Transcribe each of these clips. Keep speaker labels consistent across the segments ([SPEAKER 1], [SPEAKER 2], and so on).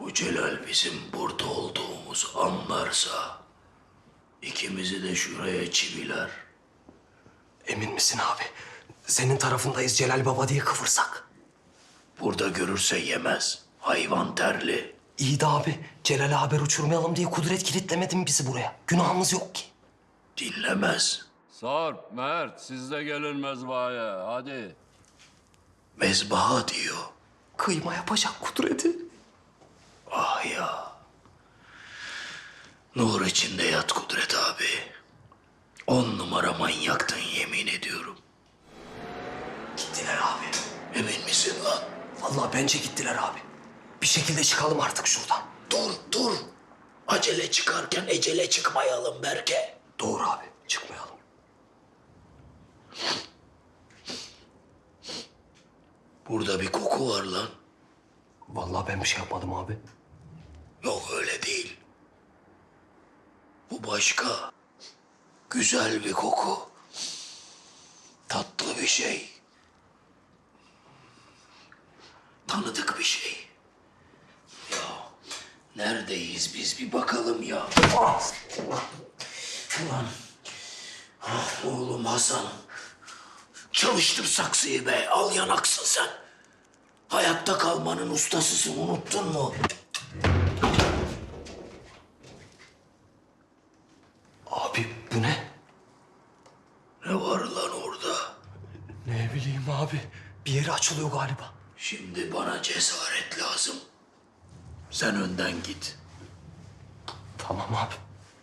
[SPEAKER 1] Bu Celal bizim burada olduğumuzu anlarsa ikimizi de şuraya çiviler.
[SPEAKER 2] Emin misin abi? Senin tarafındayız Celal Baba diye kıvırsak.
[SPEAKER 1] Burada görürse yemez. Hayvan terli.
[SPEAKER 2] İyi de abi, Celal'e haber uçurmayalım diye Kudret kilitlemedi mi bizi buraya? Günahımız yok ki.
[SPEAKER 1] Dinlemez.
[SPEAKER 3] Sarp, Mert, siz de gelin mezbahaya. Hadi.
[SPEAKER 1] Mezbaha diyor.
[SPEAKER 2] Kıyma yapacak Kudret'i.
[SPEAKER 1] Ah ya. Nur içinde yat Kudret abi. 10 numara manyaktın yemin ediyorum.
[SPEAKER 2] Gittiler abi.
[SPEAKER 1] Emin misin lan?
[SPEAKER 2] Vallahi bence gittiler abi. Bir şekilde çıkalım artık şuradan.
[SPEAKER 1] Dur. Acele çıkarken ecele çıkmayalım Berke.
[SPEAKER 2] Doğru abi, çıkmayalım.
[SPEAKER 1] Burada bir koku var lan.
[SPEAKER 2] Vallahi ben bir şey yapmadım abi.
[SPEAKER 1] Yok öyle değil. Bu başka. Güzel bir koku. Tatlı bir şey. Tanıdık bir şey. Ya neredeyiz biz bir bakalım ya. Ulan. Oğlum Hasan. Çalıştır saksıyı be. Al yanaksın sen. Hayatta kalmanın ustasısın unuttun mu?
[SPEAKER 2] Abi bu ne?
[SPEAKER 1] Ne var lan orada?
[SPEAKER 2] Ne bileyim abi. Bir yeri açılıyor galiba.
[SPEAKER 1] Şimdi bana cesaret lazım. Sen önden git.
[SPEAKER 2] Tamam abi.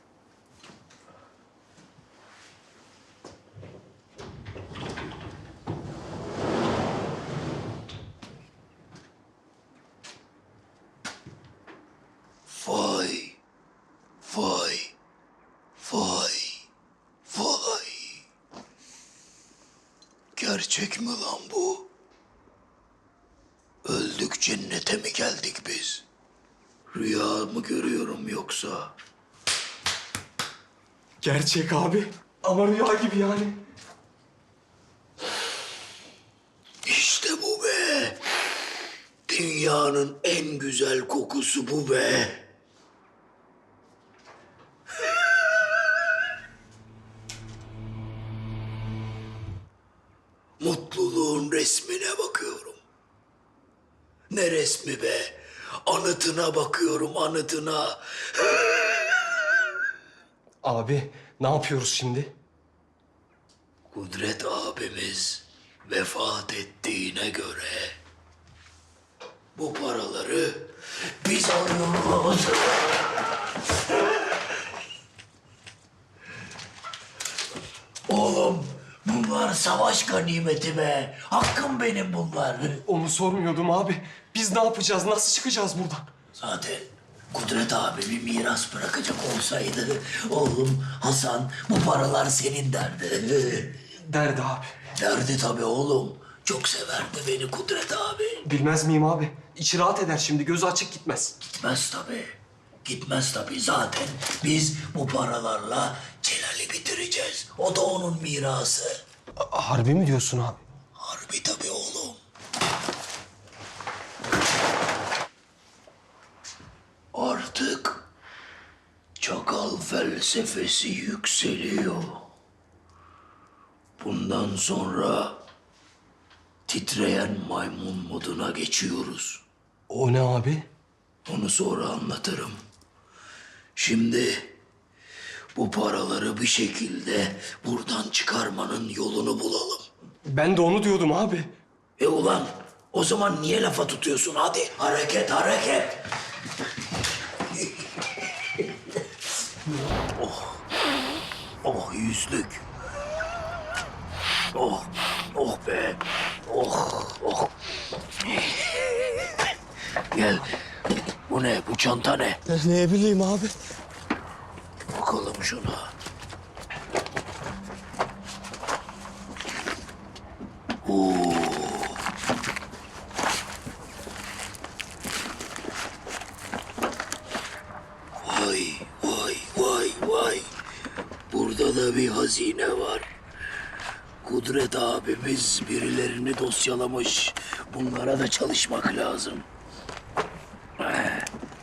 [SPEAKER 1] Vay. Vay. Vay. Vay. Gerçek mi lan bu? Öldük cennete mi geldik biz? Rüya mı görüyorum yoksa?
[SPEAKER 2] Gerçek abi. Ama rüya gibi yani.
[SPEAKER 1] İşte bu be. Dünyanın en güzel kokusu bu be. Mutluluğun resmine bakıyorum. Ne resmi be? Anıtına bakıyorum, anıtına.
[SPEAKER 2] Abi ne yapıyoruz şimdi?
[SPEAKER 1] Kudret abimiz vefat ettiğine göre bu paraları biz alıyoruz. Oğlum bunlar savaş ganimeti be. Hakkım benim bunlar.
[SPEAKER 2] Onu sormuyordum abi. Biz ne yapacağız? Nasıl çıkacağız buradan?
[SPEAKER 1] Zaten Kudret abi bir miras bırakacak olsaydı oğlum Hasan bu paralar senin derdi.
[SPEAKER 2] Derdi abi.
[SPEAKER 1] Derdi tabii oğlum. Çok severdi beni Kudret abi.
[SPEAKER 2] Bilmez miyim abi? İçi rahat eder şimdi. Gözü açık gitmez.
[SPEAKER 1] Gitmez tabii. Gitmez tabii. Zaten biz bu paralarla Celal'i bitireceğiz. O da onun mirası.
[SPEAKER 2] Harbi mi diyorsun abi?
[SPEAKER 1] Harbi tabii oğlum. Artık çakal felsefesi yükseliyor. Bundan sonra titreyen maymun moduna geçiyoruz.
[SPEAKER 2] O ne abi?
[SPEAKER 1] Onu sonra anlatırım. Şimdi bu paraları bir şekilde buradan çıkarmanın yolunu bulalım.
[SPEAKER 2] Ben de onu diyordum abi.
[SPEAKER 1] Ulan o zaman niye lafa tutuyorsun? Hadi hareket hareket. Oh yüzlük. Oh be. Oh. Gel. Bu ne? Bu çanta ne?
[SPEAKER 2] Ne bileyim abi.
[SPEAKER 1] Bakalım şuna. Oo. Vay. Burada da bir hazine var. Kudret abimiz birilerini dosyalamış. Bunlara da çalışmak lazım.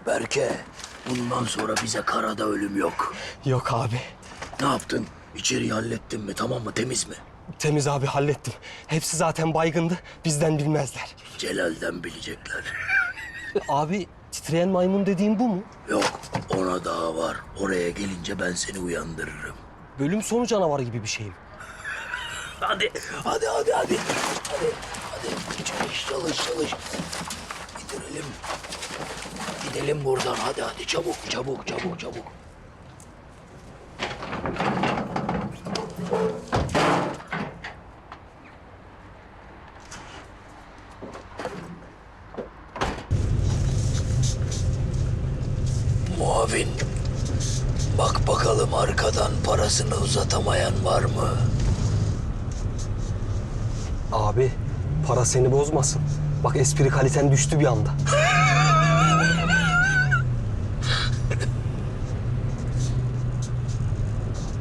[SPEAKER 1] Berke, bundan sonra bize karada ölüm yok.
[SPEAKER 2] Yok abi.
[SPEAKER 1] Ne yaptın? İçeriği hallettin mi? Tamam mı? Temiz mi?
[SPEAKER 2] Temiz abi, hallettim. Hepsi zaten baygındı. Bizden bilmezler.
[SPEAKER 1] Celal'den bilecekler.
[SPEAKER 2] Abi, titreyen maymun dediğin bu mu?
[SPEAKER 1] Yok, ona daha var. Oraya gelince ben seni uyandırırım.
[SPEAKER 2] Bölüm sonu canavarı gibi bir şey mi?
[SPEAKER 1] Hadi. Hadi. Çalış. Bitirelim. Gidelim buradan. Hadi. Çabuk. Muavin. Bak bakalım arkadan parasını uzatamayan var mı?
[SPEAKER 2] Abi, para seni bozmasın. Bak, espri kaliten düştü bir anda.